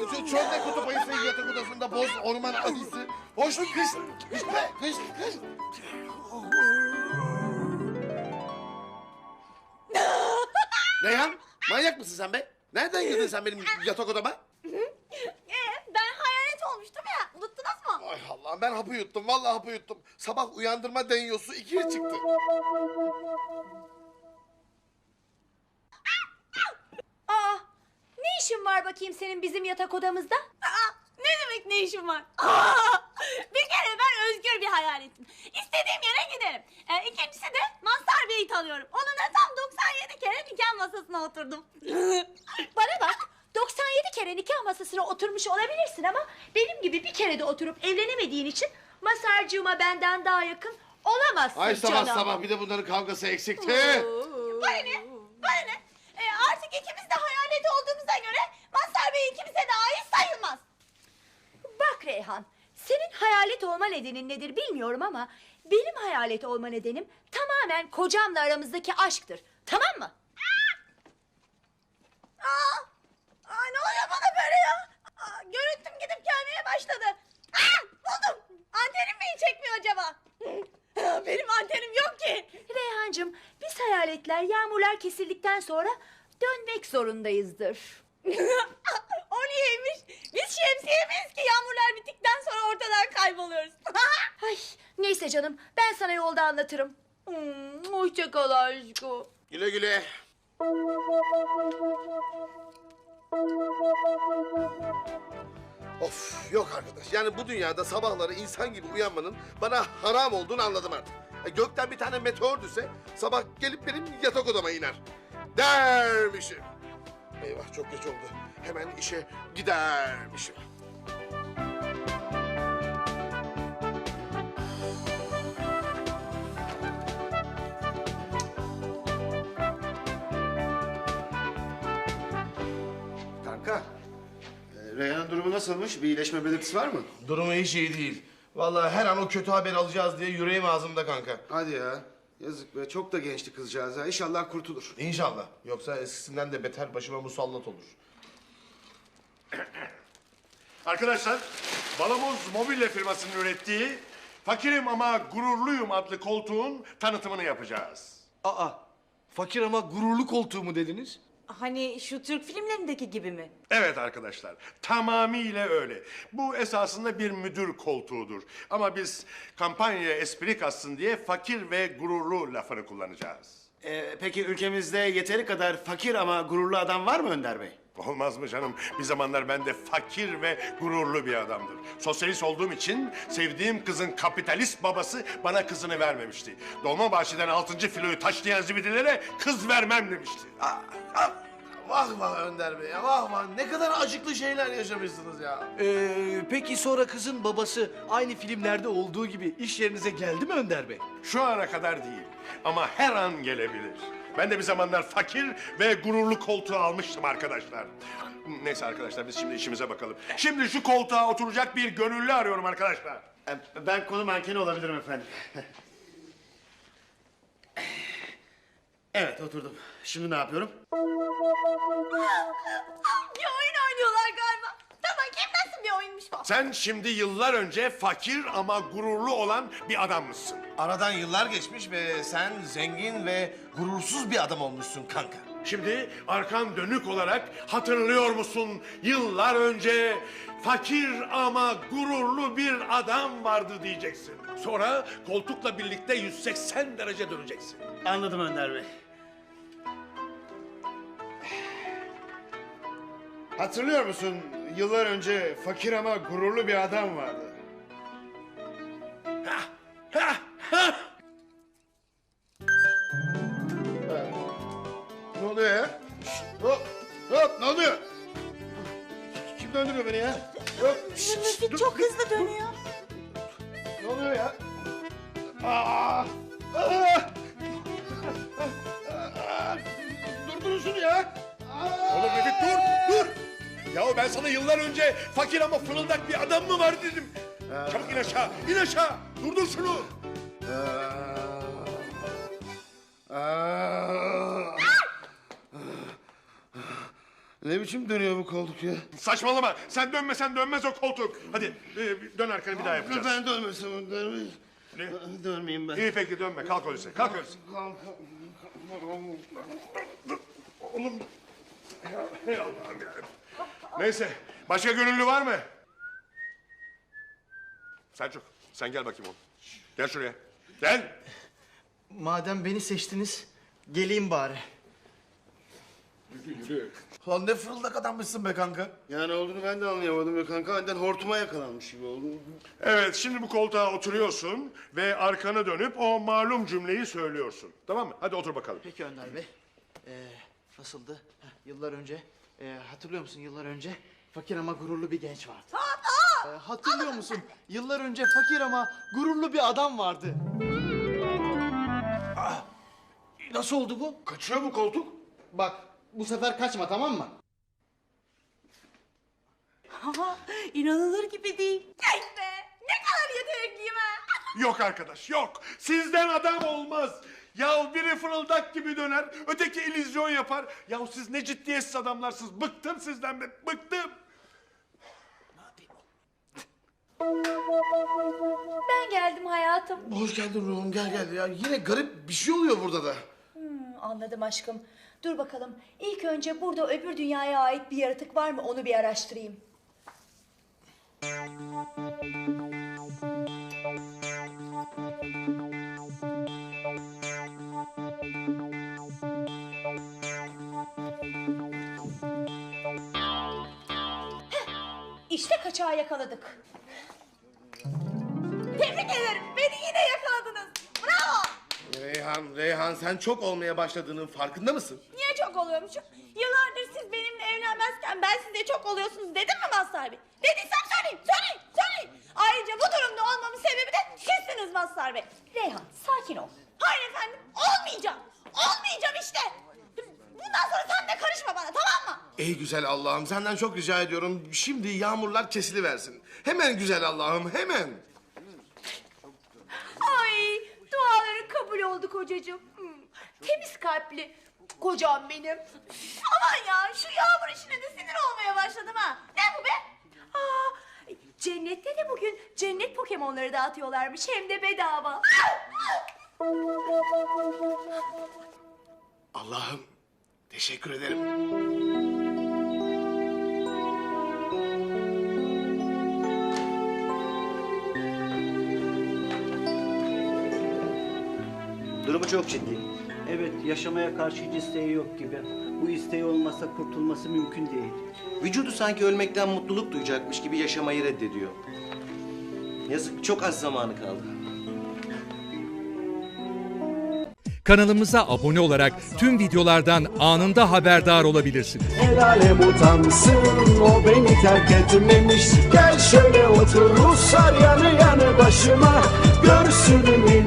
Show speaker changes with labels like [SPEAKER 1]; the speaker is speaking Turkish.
[SPEAKER 1] Çölde kutup ayısı, yatak odasında boz, orman ayısı. Hoş kış, kış be, kış, kış. Reyhan, manyak mısın sen be? Nereden girdin sen benim yatak odama?
[SPEAKER 2] Ben hayalet olmuştum ya. Unuttunuz mu?
[SPEAKER 1] Ay Allah'ım, ben hapı yuttum, vallahi hapı yuttum. Sabah uyandırma denyosu 2'ye çıktı.
[SPEAKER 3] Aa, ne işin var bakayım senin bizim yatak odamızda?
[SPEAKER 2] Ne demek ne işim var? Bir kere ben özgür bir hayaletim. İstediğim yere giderim. İkincisi de Mazhar Bey'i tanıyorum. Onunla tam 97 kere nikah masasına oturdum.
[SPEAKER 3] Bana bak, 97 kere nikah masasına oturmuş olabilirsin ama benim gibi bir kere de oturup evlenemediğin için Masarcığıma benden daha yakın olamazsın
[SPEAKER 1] Ay sabah
[SPEAKER 3] canım.
[SPEAKER 1] sabah bir de bunların kavgası eksikti.
[SPEAKER 2] Bana ne? Bana ne? Artık ikimiz de hayalet olduğumuza göre Mazhar Bey ikimize de ait sayılmaz.
[SPEAKER 3] Bak Reyhan, senin hayalet olma nedenin nedir bilmiyorum ama benim hayalet olma nedenim tamamen kocamla aramızdaki aşktır. Tamam mı?
[SPEAKER 2] Ne oluyor bana böyle ya? Görüntüm gidip gelmeye başladı. Buldum. Antenim mi iyi çekmiyor acaba? Benim antenim yok ki.
[SPEAKER 3] Reyhancığım, biz hayaletler yağmurlar kesildikten sonra dönmek zorundayızdır.
[SPEAKER 2] O niyeymiş? Biz şemsiye miyiz ki yağmurlar bittikten sonra ortadan kayboluyoruz?
[SPEAKER 3] Ay, neyse canım, ben sana yolda anlatırım. Hoşça kal aşkım.
[SPEAKER 1] Güle güle. Of, yok arkadaş. Yani bu dünyada sabahları insan gibi uyanmanın bana haram olduğunu anladım artık. Gökten bir tane meteor düşse sabah gelip benim yatak odama iner. Dermişim. Eyvah, çok geç oldu. Hemen işe gidermişim.
[SPEAKER 4] Kanka, Reyhan'ın durumu nasılmış? Bir iyileşme belirtisi var mı?
[SPEAKER 1] Durumu hiç iyi değil. Vallahi her an o kötü haber alacağız diye yüreğim ağzımda kanka.
[SPEAKER 4] Hadi ya. Yazık be, çok da gençti kızcağız ha. İnşallah kurtulur.
[SPEAKER 1] İnşallah. Yoksa eskisinden de beter başıma musallat olur.
[SPEAKER 5] Arkadaşlar, Balamoz Mobilya firmasının ürettiği Fakirim Ama Gururluyum adlı koltuğun tanıtımını yapacağız.
[SPEAKER 6] Aa, fakir ama gururlu koltuğu mu dediniz?
[SPEAKER 2] Hani şu Türk filmlerindeki gibi mi?
[SPEAKER 5] Evet arkadaşlar, tamamıyla öyle. Bu esasında bir müdür koltuğudur. Ama biz kampanyaya espri katsın diye fakir ve gururlu lafını kullanacağız.
[SPEAKER 4] Peki ülkemizde yeteri kadar fakir ama gururlu adam var mı Önder Bey?
[SPEAKER 5] Olmaz mı canım? Bir zamanlar ben de fakir ve gururlu bir adamdır. Sosyalist olduğum için sevdiğim kızın kapitalist babası bana kızını vermemişti. Dolmabahçe'den 6. filoyu taşlayan zibidilere kız vermem demişti.
[SPEAKER 1] Vah vah Önder Bey ya, vah vah. Ne kadar acıklı şeyler yaşamışsınız ya.
[SPEAKER 6] Peki sonra kızın babası aynı filmlerde olduğu gibi iş yerinize geldi mi Önder Bey?
[SPEAKER 5] Şu ana kadar değil ama her an gelebilir. Ben de bir zamanlar fakir ve gururlu koltuğu almıştım arkadaşlar. Neyse arkadaşlar, biz şimdi işimize bakalım. Şimdi şu koltuğa oturacak bir gönüllü arıyorum arkadaşlar.
[SPEAKER 4] Ben konu mankeni olabilirim efendim. Evet, oturdum. Şimdi ne yapıyorum?
[SPEAKER 2] Bir oyun oynuyorlar galiba. Tamam, kim nasıl bir oyunmuş bu?
[SPEAKER 5] Sen şimdi yıllar önce fakir ama gururlu olan bir adammışsın.
[SPEAKER 1] Aradan yıllar geçmiş ve sen zengin ve gurursuz bir adam olmuşsun kanka.
[SPEAKER 5] Şimdi arkan dönük olarak hatırlıyor musun? Yıllar önce fakir ama gururlu bir adam vardı diyeceksin. Sonra koltukla birlikte 180 derece döneceksin.
[SPEAKER 4] Anladım Önder Bey. Hatırlıyor musun? Yıllar önce fakir ama gururlu bir adam vardı.
[SPEAKER 1] Ne oluyor ya? Şşt, hop, hop, ne oluyor? Kim döndürüyor beni ya? Hop, şşt, şşt, dur.
[SPEAKER 2] Çok hızlı dönüyor.
[SPEAKER 1] Ne oluyor ya? Aa! Aa! Durdurun şunu ya!
[SPEAKER 5] Oğlum Refik dur, dur! Yahu ben sana yıllar önce fakir ama fırıldak bir adam mı var dedim. Çabuk in aşağı, in aşağı! Durdur şunu!
[SPEAKER 1] Ne biçim dönüyor bu koltuk ya?
[SPEAKER 5] Saçmalama. Sen dönmesen dönmez o koltuk. Hadi dön arkanı bir daha yapacağız.
[SPEAKER 1] Ben dönmesem dönmeyeyim.
[SPEAKER 5] Ne?
[SPEAKER 1] Dönmeyeyim ben.
[SPEAKER 5] İyi peki dönme. Kalk öyleyse. Kalk öyleyse. Oğlum. Hey Allah'ım ya. Neyse. Başka gönüllü var mı? Selçuk sen gel bakayım oğlum. Gel şuraya. Gel.
[SPEAKER 6] Madem beni seçtiniz, geleyim bari.
[SPEAKER 1] Lan ne fırıldak adammışsın be kanka. Yani olduğunu ben de anlayamadım ya kanka. Aniden hortuma yakalanmış gibi oldu.
[SPEAKER 5] Evet şimdi bu koltuğa oturuyorsun ve arkanı dönüp o malum cümleyi söylüyorsun. Tamam mı? Hadi otur bakalım.
[SPEAKER 6] Peki Önder Bey. Nasıldı? Yıllar önce, hatırlıyor musun yıllar önce fakir ama gururlu bir genç vardı. Hatırlıyor musun? Yıllar önce fakir ama gururlu bir adam vardı. Nasıl oldu bu?
[SPEAKER 1] Kaçıyor bu koltuk.
[SPEAKER 6] Bak, bu sefer kaçma, tamam mı?
[SPEAKER 2] İnanılır gibi değil. Yes be! Ne kadar yetenekliyim ha!
[SPEAKER 5] Yok arkadaş yok. Sizden adam olmaz. Ya biri fırıldak gibi döner, öteki illüzyon yapar. Ya siz ne ciddiyetsiz adamlarsınız. Bıktım sizden be, bıktım.
[SPEAKER 3] Ben geldim hayatım.
[SPEAKER 1] Hoş geldin ruhum gel gel ya. Yine garip bir şey oluyor burada da.
[SPEAKER 3] Anladım aşkım. Dur bakalım. İlk önce burada öbür dünyaya ait bir yaratık var mı onu bir araştırayım. İşte kaçağı yakaladık.
[SPEAKER 2] Tebrik ederim. Beni yine yakaladınız. Bravo.
[SPEAKER 1] Reyhan sen çok olmaya başladığının farkında mısın?
[SPEAKER 2] Niye çok oluyormuşum? Yıllardır siz benimle evlenmezken ben size çok oluyorsunuz dedim mi Mazhar Bey? Dediysem söyleyin. Ayrıca bu durumda olmamın sebebi de sizsiniz Mazhar Bey.
[SPEAKER 3] Reyhan sakin ol.
[SPEAKER 2] Hayır efendim olmayacağım. Olmayacağım işte. Bundan sonra sen de karışma bana tamam mı?
[SPEAKER 1] Ey güzel Allah'ım senden çok rica ediyorum. Şimdi yağmurlar kesiliversin. Hemen güzel Allah'ım hemen.
[SPEAKER 3] Ay duaların kabul oldu kocacığım. Temiz kalpli kocam benim.
[SPEAKER 2] Aman ya şu yağmur işine de sinir olmaya başladım ha. Ne bu be?
[SPEAKER 3] Cennette de bugün cennet Pokemon'ları dağıtıyorlarmış hem de bedava.
[SPEAKER 1] Allah'ım teşekkür ederim.
[SPEAKER 7] Durumu çok ciddi.
[SPEAKER 8] Evet, yaşamaya karşı hiç isteği yok gibi. Bu isteği olmasa kurtulması mümkün değil.
[SPEAKER 7] Vücudu sanki ölmekten mutluluk duyacakmış gibi yaşamayı reddediyor. Yazık, çok az zamanı kaldı.
[SPEAKER 9] Kanalımıza abone olarak tüm videolardan anında haberdar olabilirsiniz.
[SPEAKER 10] El alem utansın, o beni terk etmemiş. Gel şöyle otur Ruslar yanı yanı başıma. Görsün